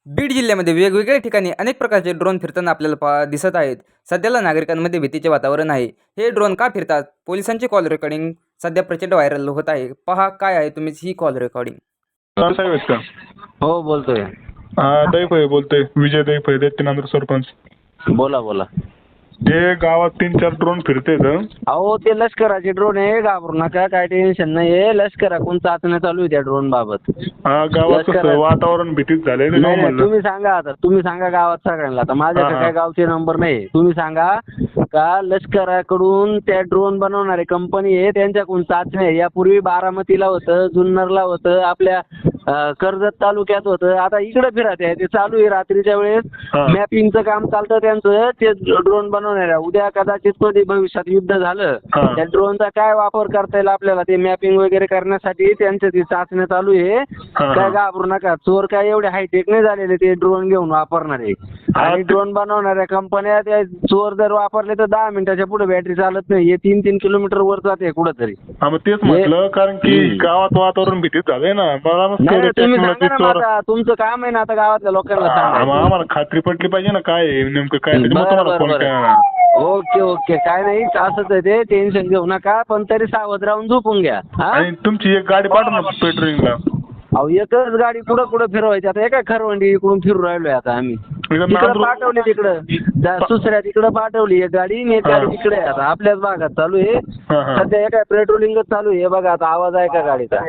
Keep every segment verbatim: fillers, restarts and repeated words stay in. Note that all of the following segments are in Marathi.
बीड जिल्ह्यामध्ये वेगवेगळ्या ठिकाणी अनेक प्रकारचे ड्रोन फिरताना आपल्याला पा दिसत आहेत. सध्याला नागरिकांमध्ये भीतीचे वातावरण आहे. हे ड्रोन का फिरतात? पोलिसांची कॉल रेकॉर्डिंग सध्या प्रचंड व्हायरल होत आहे. पहा काय आहे तुम्ही ही कॉल रेकॉर्डिंग. सर साहेब आहेत का? हो बोलतोय. हा दैफळे बोलतोय, विजय दैफळे, दैत्यनांदूर सरपंच. बोला बोला. जे गावात तीन चार ड्रोन फिरतेत. अहो ते लष्कराचे ड्रोन आहे, घाबरू नका, काय टेन्शन नाही. लष्कराकडून चाचण्या चालू आहे त्या ड्रोन बाबत. हा गावात कसं लष्करात- वातावरण भीतीच झालंय ना नाही, गाव नाही, म्हणलं. तुम्ही सांगा आता, तुम्ही सांगा गावात सगळ्यांना. आता माझ्याकडे हा, हा. काय गावचे नंबर नाही. तुम्ही सांगा का लष्कराकडून त्या ड्रोन बनवणारे कंपनी आहे त्यांच्याकडून चाचण्या आहे. यापूर्वी बारामतीला होतं, जुन्नरला होतं, आपल्या अं, कर्जत तालुक्यात होतं. आता इकडे फिरत आहे ते चालू आहे. रात्रीच्या वेळेस हा. मॅपिंगचं काम चालतं त्यांचं. ते ड्रोन बनवणाऱ्या उद्या कदाचित कधी भविष्यात युद्ध झालं हा. त्या ड्रोनचा काय वापर करता येईल आपल्याला ते मॅपिंग वगैरे करण्यासाठी त्यांचं ती चाचण्या चालू आहे. हा. काय घाबरू नका. चोर काय एवढे हायटेक नाही झालेले ते ड्रोन घेऊन वापरणारे. हा, आणि ते- ड्रोन बनवणाऱ्या कंपन्या त्या चोर जर वापरले तर दहा मिनिटाच्या पुढे बॅटरी चालत नाही. हे तीन तीन किलोमीटर वर जाते कुठंतरी. हा मग तेच म्हटलं, कारण की हम्म. गावात वातावरण भीतीच झालंय ना. मला मग नाही कळलं नाही, तुम्ही सांगा technology ना चोर- माझा, तुमचं काम आहे ना आता गावातल्या लोकांना हा, मग सांगा. आम्हाला खात्री पटली पाहिजे ना काय आहे नेमकं काय. त्याच्यामुळे बरं, तुम्हाला बरं, फोन बरं. केला. ओके ओके, काय नाही, असंच आहे ते, टेन्शन घेऊ नका, पण तरी सावध राहून झोपून घ्या. हा? आणि तुमची एक गाडी पाठव ना पेट्रोलिंगला. अहो एकच गाडी कुठं कुठं फिरवायची आता. एका खरवंडी इकडून फिरून राहिलोय आता आम्ही. इकडं तिकडं नांदूर- पाठवली, तिकडं त्या दुसऱ्या तिकडं पाठवली एक गाडी आणि एक हा. गाडी तिकडे आहे आता आपल्याच भागात चालू आहे. हा, हा. सध्या एका पेट्रोलिंगच चालू आहे. बघा आता आवाज आहे का गाडीचा?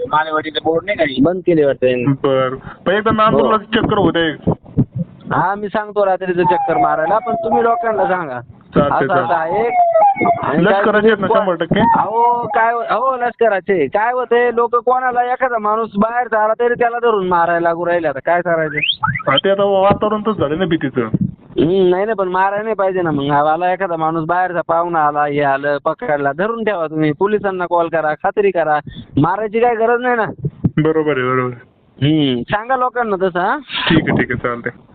बंद केली वाटतं. बर पण एकदा नांदूरला चक्कर होते. हा मी सांगतो रात्रीचं चक्कर मारायला, पण तुम्ही लोकांना सांगा चालतंय, असं असं आहे. आणि काय लष्कराचे आहेत ना तुम्ही- शंभर टक्के? अहो काय हो लष्कराचे काय होते, लोक कोणाला एखादा माणूस बाहेर आला तरी त्याला धरून मारायला लागू राहिले. आता काय करायचं? हा, ते आता वातावरण तर झालं ना भीतीचं. हम्म, नाही नाही, पण मारायला नाही पाहिजे ना. मग आला एखादा माणूस बाहेरचा पाहुणा आला, हे आलं, पकडला, धरून ठेवा तुम्ही. पोलिसांना कॉल करा, खात्री करा. मारायची काय गरज नाही ना. बरोबर आहे, बरोबर आहे. हम्म, सांगा लोकांना तसं. हा ठीक आहे, ठीक आहे, चालतंय.